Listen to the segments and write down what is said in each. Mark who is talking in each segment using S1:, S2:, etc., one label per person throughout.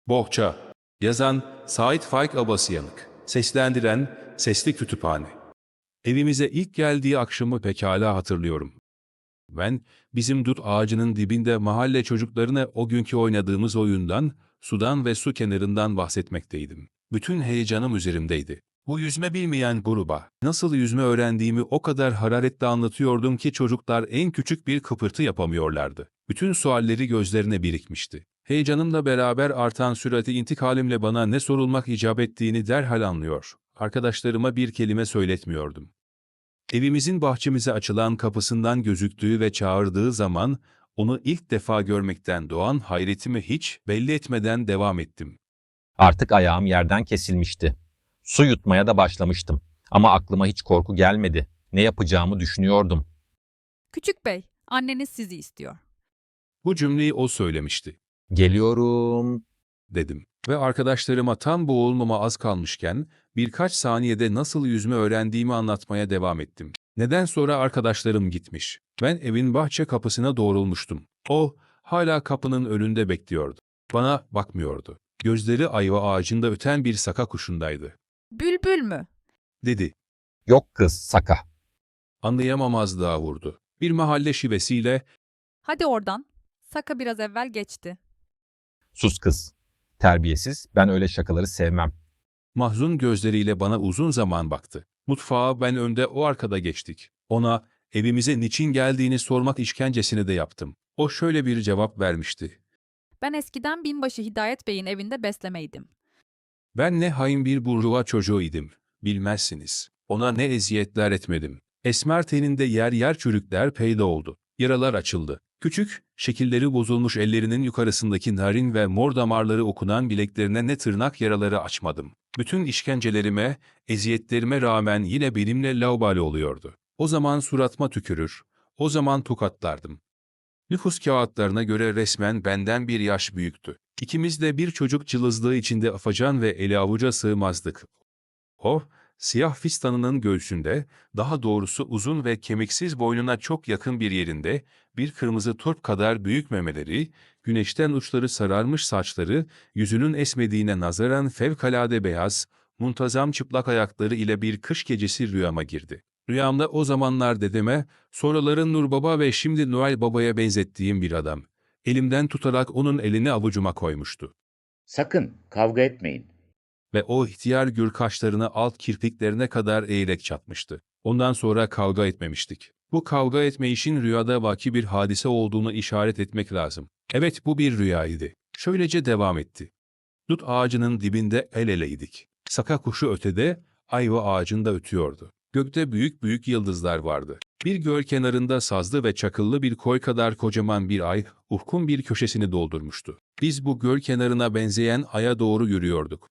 S1: Bohça. Yazan Sait Faik Abasıyanık. Seslendiren Sesli Kütüphane. Evimize ilk geldiği akşamı pekala hatırlıyorum. Ben, bizim dut ağacının dibinde mahalle çocuklarına o günkü oynadığımız oyundan, sudan ve su kenarından bahsetmekteydim. Bütün heyecanım üzerimdeydi. Bu yüzme bilmeyen gruba nasıl yüzme öğrendiğimi o kadar hararetle anlatıyordum ki çocuklar en küçük bir kıpırtı yapamıyorlardı. Bütün sualleri gözlerine birikmişti. Heyecanımla beraber artan sürati intikalimle bana ne sorulmak icap ettiğini derhal anlıyor. Arkadaşlarıma bir kelime söyletmiyordum. Evimizin bahçemize açılan kapısından gözüktüğü ve çağırdığı zaman onu ilk defa görmekten doğan hayretimi hiç belli etmeden devam ettim.
S2: Artık ayağım yerden kesilmişti. Su yutmaya da başlamıştım. Ama aklıma hiç korku gelmedi. Ne yapacağımı düşünüyordum.
S3: Küçük bey, anneniz sizi istiyor.
S1: Bu cümleyi o söylemişti,
S2: Geliyorum.
S1: dedim. Ve arkadaşlarıma tam boğulmama az kalmışken birkaç saniyede nasıl yüzme öğrendiğimi anlatmaya devam ettim. Neden sonra arkadaşlarım gitmiş. Ben evin bahçe kapısına doğrulmuştum. O hala kapının önünde bekliyordu. Bana bakmıyordu. Gözleri ayva ağacında öten bir saka kuşundaydı.
S3: Bülbül mü?
S1: Dedi.
S2: Yok kız, Saka.
S1: Anlayamamazlığa vurdu. Bir mahalle şivesiyle
S3: Hadi oradan. Saka biraz evvel geçti.
S2: Sus kız. Terbiyesiz, ben öyle şakaları sevmem.
S1: mahzun gözleriyle bana uzun zaman baktı. Mutfağa ben önde, o arkada geçtik. Ona evimize niçin geldiğini sormak işkencesini de yaptım. O şöyle bir cevap vermişti.
S3: Ben eskiden binbaşı Hidayet Bey'in evinde beslemeydim.
S1: Ben ne hain bir burjuva çocuğuydum. Bilmezsiniz. Ona ne eziyetler etmedim. Esmer teninde yer yer çürükler peyda oldu. Yaralar açıldı. Küçük, şekilleri bozulmuş ellerinin yukarısındaki narin ve mor damarları okunan bileklerine ne tırnak yaraları açmadım. Bütün işkencelerime, eziyetlerime rağmen yine benimle laubali oluyordu. O zaman suratıma tükürür, o zaman tokatlardım. Nüfus kağıtlarına göre resmen benden bir yaş büyüktü. İkimiz de bir çocuk cılızlığı içinde afacan ve eli avuca sığmazdık. O, siyah fistanının göğsünde, daha doğrusu uzun ve kemiksiz boynuna çok yakın bir yerinde, bir kırmızı turp kadar büyük memeleri, güneşten uçları sararmış saçları, yüzünün esmediğine nazaran fevkalade beyaz, muntazam çıplak ayakları ile bir kış gecesi rüyama girdi. Rüyamda o zamanlar dedeme, sonraların Nur Baba ve şimdi Noel Baba'ya benzettiğim bir adam, elimden tutarak onun elini avucuma koymuştu.
S4: Sakın kavga etmeyin.
S1: Ve o ihtiyar gür kaşlarını alt kirpiklerine kadar eğerek çatmıştı. Ondan sonra kavga etmemiştik. Bu kavga etme işin rüyada vaki bir hadise olduğunu işaret etmek lazım. Evet, bu bir rüyaydı. Şöylece devam etti. Dut ağacının dibinde el eleydik. Saka kuşu ötede, ayva ağacında ötüyordu. Gökte büyük büyük yıldızlar vardı. Bir göl kenarında sazlı ve çakıllı bir koy kadar kocaman bir ay, ufkun bir köşesini doldurmuştu. Biz bu göl kenarına benzeyen aya doğru yürüyorduk.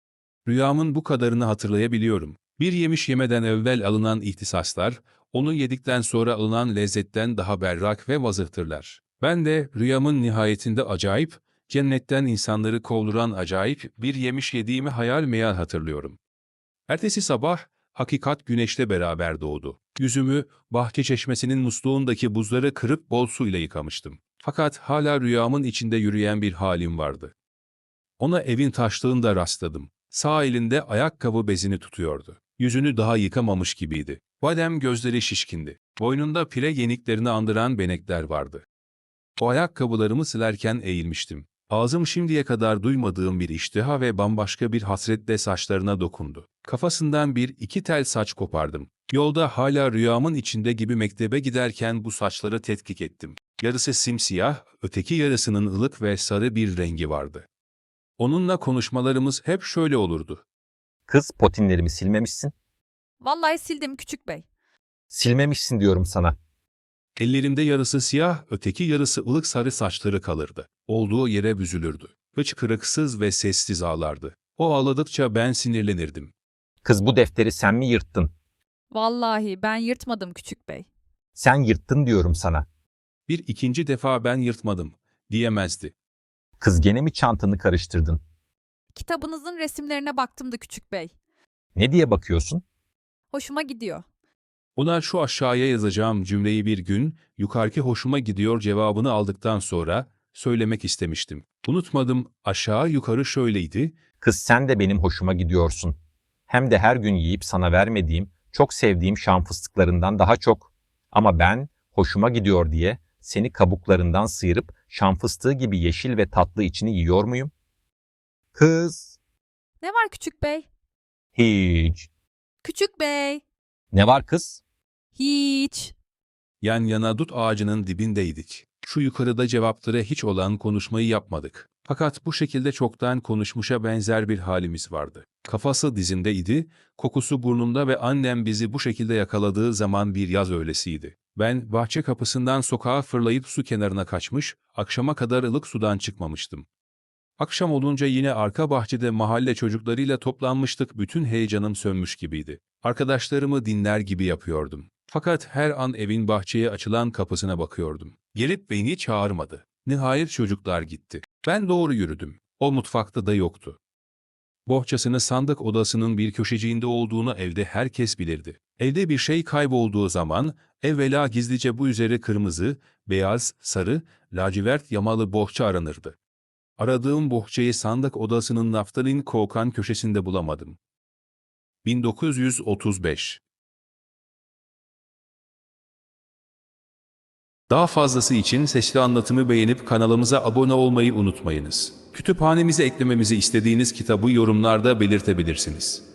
S1: Rüyamın bu kadarını hatırlayabiliyorum. Bir yemiş yemeden evvel alınan ihtisaslar, onu yedikten sonra alınan lezzetten daha berrak ve vazıhtırlar. Ben de rüyamın nihayetinde acayip, cennetten insanları kovduran acayip bir yemiş yediğimi hayal meyal hatırlıyorum. Ertesi sabah, hakikat güneşle beraber doğdu. Yüzümü, bahçe çeşmesinin musluğundaki buzları kırıp bol suyla yıkamıştım. Fakat hala rüyamın içinde yürüyen bir halim vardı. Ona evin taşlığında rastladım. Sağ elinde ayakkabı bezini tutuyordu. Yüzünü daha yıkamamış gibiydi. Badem gözleri şişkindi. Boynunda pire yeniklerini andıran benekler vardı. O ayakkabılarımı silerken eğilmiştim. Ağzım şimdiye kadar duymadığım bir iştiha ve bambaşka bir hasretle saçlarına dokundu. Kafasından bir iki tel saç kopardım. Yolda hala rüyamın içinde gibi mektebe giderken bu saçları tetkik ettim. Yarısı simsiyah, öteki yarısının ılık ve sarı bir rengi vardı. Onunla konuşmalarımız hep şöyle olurdu.
S2: Kız, potinlerimi silmemişsin.
S3: Vallahi sildim küçük bey.
S2: Silmemişsin diyorum sana.
S1: Ellerimde yarısı siyah, öteki yarısı ılık sarı saçları kalırdı. Olduğu yere büzülürdü. Hıçkırıksız ve sessiz ağlardı. O ağladıkça ben sinirlenirdim.
S2: Kız, bu defteri sen mi yırttın?
S3: Vallahi ben yırtmadım küçük bey.
S2: Sen yırttın diyorum sana.
S1: Bir ikinci defa ben yırtmadım, diyemezdi.
S2: Kız, gene mi çantanı karıştırdın?
S3: Kitabınızın resimlerine baktım da küçük bey.
S2: Ne diye bakıyorsun?
S3: Hoşuma gidiyor.
S1: Ona şu aşağıya yazacağım cümleyi bir gün, yukarıki hoşuma gidiyor cevabını aldıktan sonra, söylemek istemiştim. Unutmadım, aşağı yukarı şöyleydi.
S2: Kız sen de benim hoşuma gidiyorsun. Hem de her gün yiyip sana vermediğim, çok sevdiğim şam fıstıklarından daha çok. Ama ben hoşuma gidiyor diye seni kabuklarından sıyırıp şam fıstığı gibi yeşil ve tatlı içini yiyor muyum? Kız.
S3: Ne var küçük bey?
S2: Hiç.
S3: Küçük bey.
S2: Ne var kız?
S3: Hiç.
S1: Yan yana dut ağacının dibindeydik. Şu yukarıda cevaplara hiç olan konuşmayı yapmadık. Fakat bu şekilde çoktan konuşmuşa benzer bir halimiz vardı. Kafası dizindeydi, kokusu burnunda ve annem bizi bu şekilde yakaladığı zaman bir yaz öğlesiydi. Ben bahçe kapısından sokağa fırlayıp su kenarına kaçmış, akşama kadar ılık sudan çıkmamıştım. Akşam olunca yine arka bahçede mahalle çocuklarıyla toplanmıştık, bütün heyecanım sönmüş gibiydi. Arkadaşlarımı dinler gibi yapıyordum. Fakat her an evin bahçeye açılan kapısına bakıyordum. Gelip beni çağırmadı. Nihayet çocuklar gitti. Ben doğru yürüdüm. O mutfakta da yoktu. Bohçasını sandık odasının bir köşeciğinde olduğunu evde herkes bilirdi. Evde bir şey kaybolduğu zaman evvela gizlice bu üzeri kırmızı, beyaz, sarı, lacivert yamalı bohça aranırdı. Aradığım bohçayı sandık odasının naftalin kokan köşesinde bulamadım. 1935. Daha fazlası için sesli anlatımı beğenip kanalımıza abone olmayı unutmayınız. Kütüphanemize eklememizi istediğiniz kitabı yorumlarda belirtebilirsiniz.